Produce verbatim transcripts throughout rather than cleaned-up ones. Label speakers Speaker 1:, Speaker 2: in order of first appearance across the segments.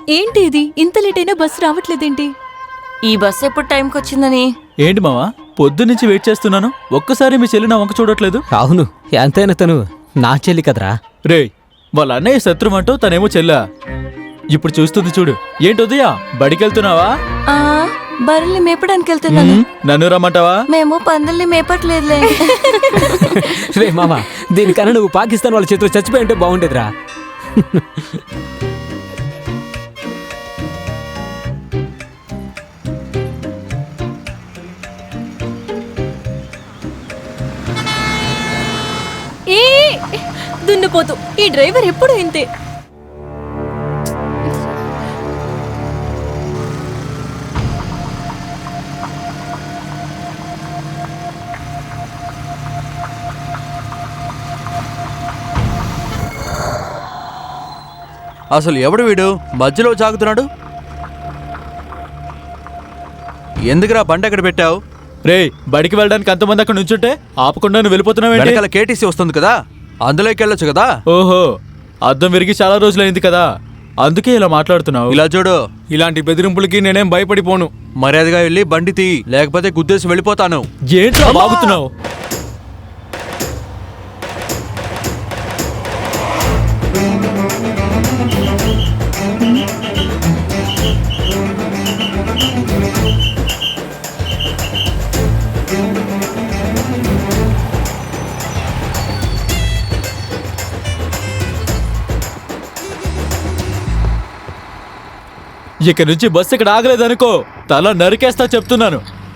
Speaker 1: ఏంటి ఇది ఇంత లేట్ అయినా బస్సు రావట్లేదేంటి?
Speaker 2: ఈ బస్సు ఎప్పుడు టైంకి వచ్చిందని?
Speaker 3: ఏంటి మావా, పొద్దు నుంచి వెయిట్ చేస్తున్నాను, ఒక్కసారి మీ చెల్లి నా వంక చూడట్లేదు.
Speaker 4: అవును, ఎంతైనా తను నా చెల్లి కదరా.
Speaker 3: రే, వాళ్ళ అన్నయ్య శత్రువు అంటూ తనేమో చెల్లా. ఇప్పుడు చూస్తుంది చూడు. ఏంటి ఉదయా, బడికెళ్తున్నావా?
Speaker 2: ఆ బర్రెల్ని మేపడానికి వెళ్తున్నాను.
Speaker 3: నన్ను రమ్మంటావా?
Speaker 2: మేము పందుల్ని మేపట్లేదులే.
Speaker 4: రే మామ, దీనికన్నా నువ్వు పాకిస్తాన్ వాళ్ళ చేతిలో చచ్చిపోయి ఉంటే బాగుండేదిరా.
Speaker 1: ఏ దున్నపోతు, ఈ డ్రైవర్ ఎప్పుడు ఇంతే.
Speaker 5: అసలు ఎవడు వీడు మధ్యలో జాగుతున్నాడు? ఎందుకురా బండి ఎక్కడ పెట్టావు?
Speaker 3: రే, బడికి వెళ్ళడానికి అంతమంది అక్కడ నుంచుంటే ఆపకుండా నువ్వు వెళ్ళిపోతున్నావు.
Speaker 5: వెనకాల కేటీసీ వస్తుంది కదా, అందులోకి వెళ్ళొచ్చు కదా.
Speaker 3: ఓహో, అద్దం విరిగి చాలా రోజులైంది కదా, అందుకే ఇలా మాట్లాడుతున్నావు.
Speaker 5: ఇలా చూడు,
Speaker 6: ఇలాంటి బెదిరింపులకి నేనేం భయపడిపోను.
Speaker 5: మర్యాదగా వెళ్ళి బండి తీ, లేకపోతే గుద్దేసి వెళ్ళిపోతాను.
Speaker 3: ఏంట్రా బాగుతున్నావు? ఇక నుంచి బస్సు ఇక్కడ ఆగలేదనుకో, తల నరికేస్తా చెప్తున్నాను.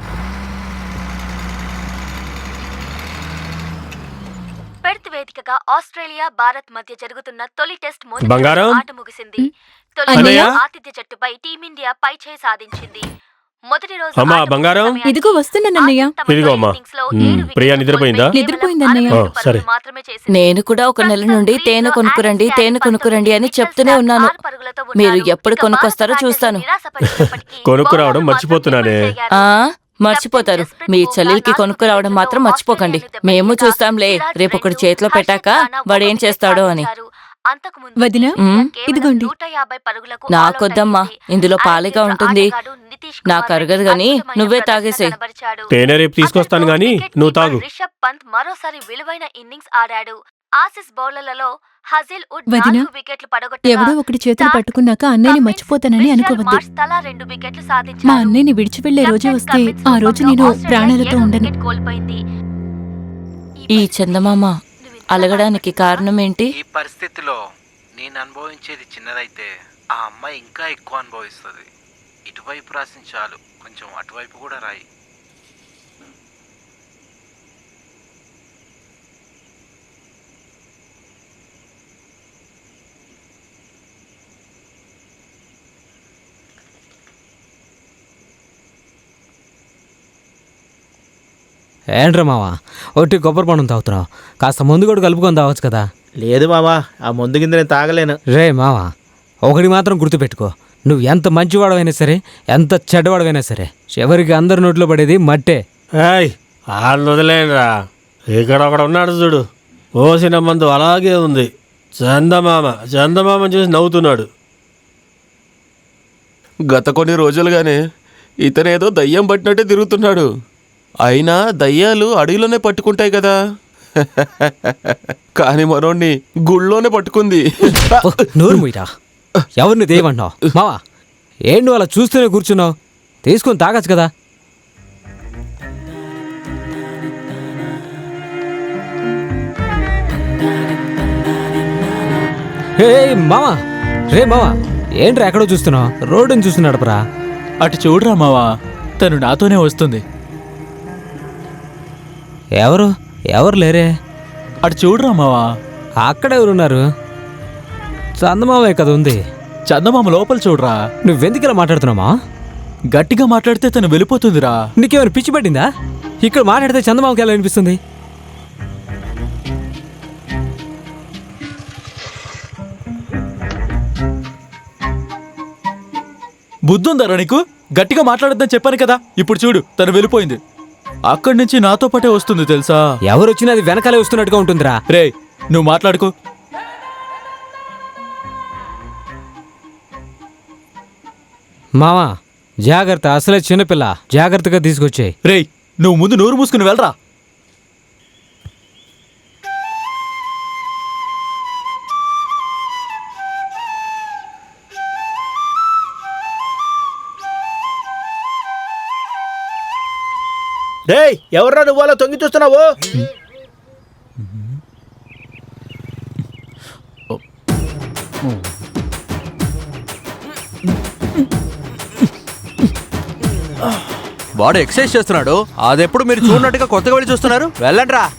Speaker 7: పెర్త్ వేదికగా ఆస్ట్రేలియా భారత్ మధ్య జరుగుతున్న తొలి టెస్ట్
Speaker 6: బంగారం
Speaker 7: ఆట ముగిసింది. తొలి ఆతిథ్య జట్టుపై టీమిండియా పైచేయి సాధించింది. మొదటి రోజు
Speaker 6: అమ్మా బంగారం,
Speaker 1: ఇదిగో వస్తున్నానన్నయ్య.
Speaker 6: ఇదిగో అమ్మా. ప్రియా నిద్రపోయిందా?
Speaker 1: నిద్రపోయిందన్నయ్య.
Speaker 6: సరే.
Speaker 2: నేను కూడా ఒక నెల నుండి తేనె కొనుక్కురండి తేనె కొనుక్కురండి అని చెప్తూనే ఉన్నాను. మీరు ఎప్పుడు కొనుక్కొస్తారో చూస్తాను.
Speaker 6: కొనుక్కురావడం మర్చిపోతున్నానే.
Speaker 2: ఆ మర్చిపోతారు. మీ చెల్లెలికి కొనుక్కురావడం మాత్రం మర్చిపోకండి. మేము చూస్తాంలే, రేపు ఒకటి చేతిలో పెట్టాక వాడేం చేస్తాడో అని.
Speaker 1: వదినా, ఇదిగోండి.
Speaker 2: నాకొద్దమ్మా, ఇందులో పాలిగా ఉంటుంది, నాకు అరగదు గాని నువ్వే తాగేసేయ్.
Speaker 6: తేనె రేపు తీసుకొస్తాను గాని నువ్వు తాగు.
Speaker 7: రిషబ్ పంత్ మరోసారి విలువైన ఇన్నింగ్స్ ఆడాడు. ఆసిస్ బౌలర్లలో హజిల్ వుడ్
Speaker 1: వదినా,
Speaker 7: నాలుగు వికెట్లు పడగొట్టగా
Speaker 1: ఎవడో ఒకటి చేతులు పట్టుకున్నాక అన్నయ్యని మర్చిపోతానని అనుకోవద్దు.
Speaker 7: తలా రెండు వికెట్లు
Speaker 1: మా
Speaker 7: సాధించాడు.
Speaker 1: అన్నయ్యని విడిచి వెళ్లే రోజే వస్తే ఆ రోజు నేను ప్రాణాలతో ఉండను.
Speaker 7: వికెట్ కోల్పోయింది.
Speaker 2: ఈ చందమామ అలగడానికి కారణం ఏంటి?
Speaker 8: ఈ పరిస్థితిలో నేను అనుభవించేది చిన్నదైతే ఆ అమ్మాయి ఇంకా ఎక్కువ అనుభవిస్తుంది. ఇటువైపు రాసిన చాలు, కొంచెం అటువైపు కూడా రాయి.
Speaker 4: ఏంట్రా మావా, ఒట్టి కొబ్బరి పండు తాగుతున్నావు, కాస్త ముందు కూడా కలుపుకొని తాగొచ్చు కదా.
Speaker 9: లేదు మావా, ఆ ముందు కింద నేను తాగలేను.
Speaker 4: రే మావా, ఒకటి మాత్రం గుర్తుపెట్టుకో, నువ్వు ఎంత మంచివాడవైనా సరే, ఎంత చెడ్డవాడవైనా సరే, చివరికి అందరి నోట్లో పడేది మట్టే.
Speaker 6: ఏయ్, వాళ్ళు వదిలేనురా. ఇక్కడ ఒకడు ఉన్నాడు చూడు, పోసిన మందు అలాగే ఉంది. చందమామ చందమామ చూసి నవ్వుతున్నాడు.
Speaker 10: గత కొన్ని రోజులుగానే ఇతనేదో దయ్యం పట్టినట్టే తిరుగుతున్నాడు. అయినా దయ్యాలు అడవిలోనే పట్టుకుంటాయి కదా, కానీ మనోడిని గుళ్ళోనే పట్టుకుంది.
Speaker 4: నోరు ముయ్యరా, ఎవరిని దేవన్నావు? మావా, ఏం నువ్వు అలా చూస్తూనే కూర్చున్నావు? తీసుకుని తాగచ్చు కదా. ఏ మావా, రే మావా, ఏంట్రా ఎక్కడో చూస్తున్నావు? రోడ్డుని చూస్తున్నాడు పరా.
Speaker 3: అటు చూడరా మావా, తను నాతోనే వస్తుంది.
Speaker 4: ఎవరు ఎవరు లేరే?
Speaker 3: అటు చూడరా మావా.
Speaker 4: అక్కడెవరున్నారు? చందమామే కదా ఉంది.
Speaker 3: చందమామ లోపల చూడరా.
Speaker 4: నువ్వెందుకు ఇలా మాట్లాడుతున్నావా?
Speaker 3: గట్టిగా మాట్లాడితే తను వెళ్ళిపోతుందిరా.
Speaker 4: నీకేమైనా పిచ్చి పట్టిందా? ఇక్కడ మాట్లాడితే చందమామకి ఎలా అనిపిస్తుంది?
Speaker 3: బుద్ధుందరా నీకు? గట్టిగా మాట్లాడొద్దని చెప్పాను కదా. ఇప్పుడు చూడు, తను వెళ్ళిపోయింది. అక్కడి నుంచి నాతో పాటే వస్తుంది తెలుసా.
Speaker 4: ఎవరు వచ్చినా అది వెనకాలే వస్తున్నట్టుగా ఉంటుందిరా.
Speaker 3: రే, నువ్వు మాట్లాడుకో.
Speaker 4: మావా జాగ్రత్త, అసలే చిన్నపిల్ల, జాగ్రత్తగా తీసుకొచ్చాయి.
Speaker 3: రేయ్ నువ్వు ముందు నోరు మూసుకుని వెళ్ళరా.
Speaker 9: డేయ్ ఎవర్రా నువ్వు అలా తొంగి చూస్తున్నావు?
Speaker 5: వాడు ఎక్సర్సైజ్ చేస్తున్నాడు, అదెప్పుడు మీరు చూడనట్టుగా కొత్తగా వెళ్ళి చూస్తున్నారు? వెళ్ళండి రా.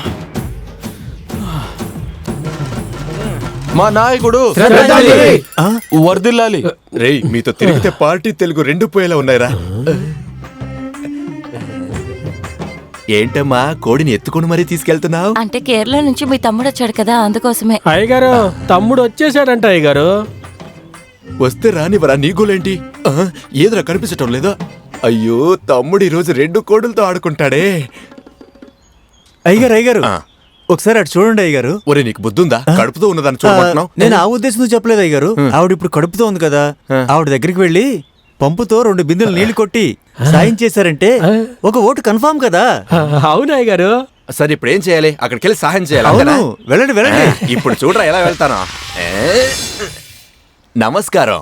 Speaker 10: మా నాయకుడు వర్దిల్లాలి.
Speaker 11: రేయ్ మీతో తిరిగితే పార్టీ తెలుగు రెండు పోయేలా ఉన్నాయిరా. ఏంటమ్మా కోడిని ఎత్తుకుని మరీ తీసుకెళ్తున్నావు?
Speaker 2: అంటే కేరళ నుంచి మీ తమ్ముడు వచ్చాడు కదా, అందుకోసమే.
Speaker 6: అయ్యగారు తమ్ముడు వచ్చేసాడంట అయ్యగారు.
Speaker 11: వస్తే రానివరా, నీ గోలేంటి? ఆ, ఏదిరా కనిపించటం లేదా? అయ్యో తమ్ముడు ఈరోజు రెండు కోడులతో ఆడుకుంటాడే.
Speaker 12: అయ్యగారు అయ్యగారు
Speaker 11: ఆ.
Speaker 12: ఒకసారి అటు చూడండి అయ్యగారు.
Speaker 11: ఒరే నీకు బుద్ధుందా? కడుపుతో ఉన్నదాన్ని చూడమంటున్నావు?
Speaker 12: నేను ఆ ఉద్దేశంతో చెప్పలేదు అయ్యగారు. ఆవిడ ఇప్పుడు కడుపుతో ఉంది కదా, ఆవిడ దగ్గరికి వెళ్ళి పంపుతో రెండు బిందెలు నీళ్లు కొట్టి సాయం చేశారంటే ఒక ఓటు కన్ఫామ్ కదా.
Speaker 6: అవును అయ్యగారు.
Speaker 11: సరే ఇప్పుడు ఏం చేయాలి? అక్కడికి వెళ్ళి సహాయం చేయాలి.
Speaker 12: అవును,
Speaker 11: అంతేనా?
Speaker 12: వెళ్ళండి వెళ్ళండి.
Speaker 11: ఇప్పుడు చూడరా ఎలా వెళ్తాను. ఏ? నమస్కారం.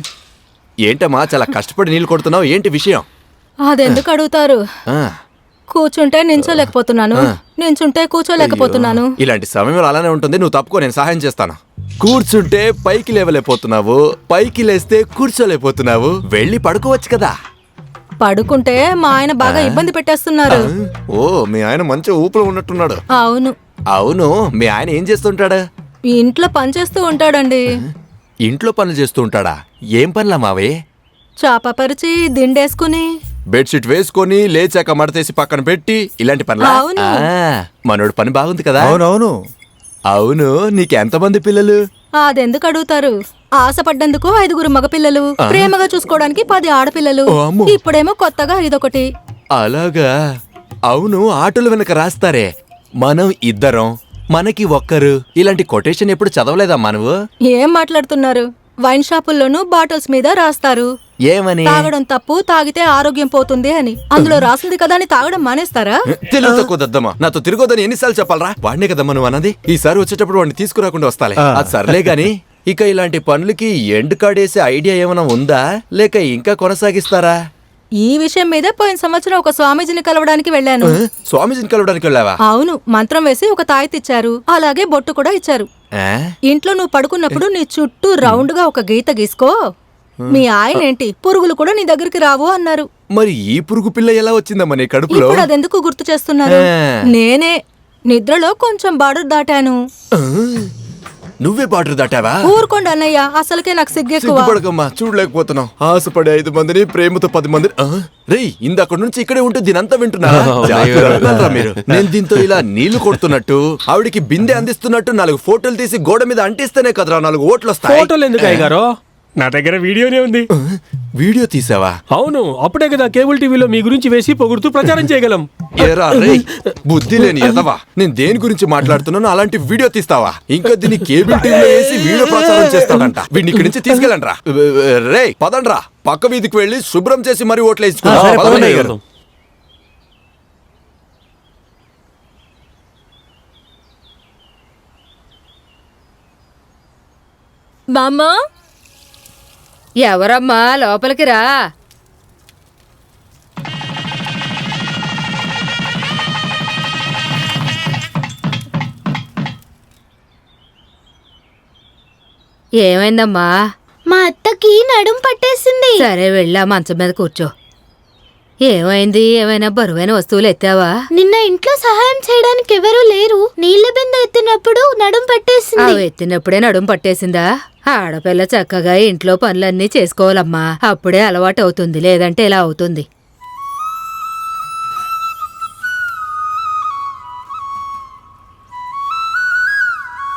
Speaker 11: ఏంటమ్మా చాలా కష్టపడి నీళ్లు కొడుతున్నావు, ఏంటి విషయం?
Speaker 1: అదెందుకు అడుగుతారు?
Speaker 11: ఆ,
Speaker 1: కూర్చుంటే నించోలేకపోతున్నాను, నించుంటే కూర్చోలేకపోతున్నాను.
Speaker 11: ఇలాంటి సమయంలో అలానే ఉంటుంది. నువ్వు తప్పుకో, నేను సహాయం చేస్తాను. కూర్చుంటే పైకి లేవలేకపోతున్నావు, పైకి లేస్తే కూర్చోలేకపోతున్నావు. వెళ్ళి పడుకోవచ్చు కదా.
Speaker 1: పడుకుంటే మా ఆయన బాగా ఇబ్బంది పెట్టేస్తున్నారు.
Speaker 11: ఓ మీ ఆయన మంచి ఊపులో ఉన్నట్టున్నాడు.
Speaker 1: అవును,
Speaker 11: అవును, మీ ఆయన ఏం చేస్తుంటాడా?
Speaker 1: ఇంట్లో పనిచేస్తూ ఉంటాడండి.
Speaker 11: ఇంట్లో పనులు చేస్తూ ఉంటాడా? ఏం పనులా మావే?
Speaker 1: చాప పరిచి దిండేసుకుని
Speaker 11: బెడ్షీట్ వేసుకొని లేచాక మడతేసి పక్కన పెట్టి ఇలాంటి పనులా?
Speaker 1: అవును.
Speaker 11: ఆ, మనోడు పని బాగుంది కదా.
Speaker 12: అవునవును.
Speaker 11: అవును, నీకెంతమంది పిల్లలు?
Speaker 1: అదెందుకు అడుగుతారు? ఆశపడ్డందుకు ఐదుగురు మగపిల్లలు, ప్రేమగా చూసుకోవడానికి పది ఆడపిల్లలు,
Speaker 11: ఓ అమ్మో.
Speaker 1: ఇప్పుడేమో కొత్తగా ఇదొకటి.
Speaker 11: అలాగా? అవును, ఆటోలు వెనక రాస్తారే మనం ఇద్దరం, మనకి ఒక్కరు, ఇలాంటి కొటేషన్ ఎప్పుడు చదవలేదమ్మా నువ్వు?
Speaker 1: ఏం మాట్లాడుతున్నారు? వైన్ షాపుల్లోనూ బాటిల్స్ మీద రాస్తారు
Speaker 11: ఏమని?
Speaker 1: తాగడం తప్పు, తాగితే ఆరోగ్యం పోతుంది అని. అందులో రాసింది కదా అని తాగడం మానేస్తారా?
Speaker 11: తెలుగు తక్కువ దద్దమ్మా, నాతో తిరగొద్దని ఎన్నిసార్లు చెప్పాలరా? వాడినే కదమ్మా నువ్వు అన్నది. ఈసారి వచ్చేటప్పుడు వాడిని తీసుకురాకుండా వస్తాలే. అది సర్లే గాని, ఇక ఇలాంటి పనులకి ఎండ్ కాడేసే ఐడియా ఏమైనా ఉందా, లేక ఇంకా కొనసాగిస్తారా?
Speaker 1: ఈ విషయం మీద పోయిన సంవత్సరం ఒక స్వామీజీని కలవడానికి వెళ్ళాను.
Speaker 11: ఆ, స్వామీజీని కలవడానికి వెళ్ళావా?
Speaker 1: అవును, మంత్రం వేసి ఒక తాయెత్తిచ్చారు, అలాగే బొట్టు కూడా ఇచ్చారు.
Speaker 11: ఆ?
Speaker 1: ఇంట్లో నువ్వు పడుకున్నప్పుడు నీ చుట్టూ రౌండ్ గా ఒక గీత గీసుకో. మీ ఆయన ఏంటి, పురుగులు కూడా నీ దగ్గరికి రావు అన్నారు.
Speaker 11: మరి ఈ పురుగు పిల్ల ఎలా వచ్చిందమ్మా నీ కడుపులో?
Speaker 1: ఇప్పుడు అదెందుకు గుర్తు చేస్తున్నారు? నేనే నిద్రలో కొంచెం బార్డర్ దాటాను.
Speaker 11: ఆ? నువ్వే బార్డర్ దాటావా?
Speaker 1: ఊరుకోండి అన్నయ్య, అసలుకే నాకు సిగ్గెక్కువ.
Speaker 11: సిగ్గుపడకమ్మా, చూడలేకపోతున్నావు. ఆశపడే ఐదు మందిని, ప్రేమతో పది మంది. రేయ్ ఇందక్కడ నుంచి ఇక్కడే ఉంటూ దీనంతా వింటున్నా. జాగ్రత్తగా మీరు. నేను దీంతో ఇలా నీళ్లు కొడుతున్నట్టు, ఆవిడికి బిందె అందిస్తున్నట్టు నాలుగు ఫోటోలు తీసి గోడ మీద అంటిస్తేనే కదరా నాలుగు ఓట్లు వస్తాయి.
Speaker 6: ఫోటోలు ఎందుకు అయ్యగారు? నా దగ్గర వీడియోనే ఉంది.
Speaker 11: వీడియో తీసావా?
Speaker 6: అవును, అప్పుడే కదా కేబుల్ టీవీలో మీ గురించి వేసి పొగుడుతూ ప్రచారం చేయగలం.
Speaker 11: ఏరా రేయ్, బుద్ధి లేని ఎదవా, నేను దేని గురించి మాట్లాడుతున్నాను అలాంటి వీడియో తీస్తావా? ఇంకా దీన్ని కేబుల్ టీవీలో వేసి వీడియో ప్రచారం చేస్తాడంట. వీడిని ఇక్కడి నుంచి తీసుకెళ్ళండ్రా. రే పదండ్రా, పక్క వీధికి వెళ్ళి శుభ్రం చేసి మరీ ఓట్లు వేసుకున్నాం.
Speaker 1: బామ్మ,
Speaker 13: ఎవరమ్మా లోపలికి రా. ఏమైందమ్మా?
Speaker 7: మా అత్తకి నడుం పట్టేసింది.
Speaker 13: సరే వెళ్ళా మంచం మీద కూర్చో. ఏమైంది? ఏమైనా బరువైన వస్తువులు ఎత్తావా?
Speaker 7: నిన్న ఇంట్లో సహాయం చేయడానికి ఎవరూ లేరు. నీళ్ల బిందె ఎత్తినప్పుడు నడుం పట్టేసింది.
Speaker 13: అవి ఎత్తినప్పుడే నడుం పట్టేసిందా? ఆడపిల్ల చక్కగా ఇంట్లో పనులన్నీ చేసుకోవాలమ్మా, అప్పుడే అలవాటు అవుతుంది, లేదంటే ఇలా అవుతుంది.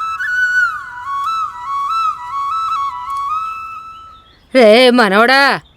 Speaker 13: రే మనవడా,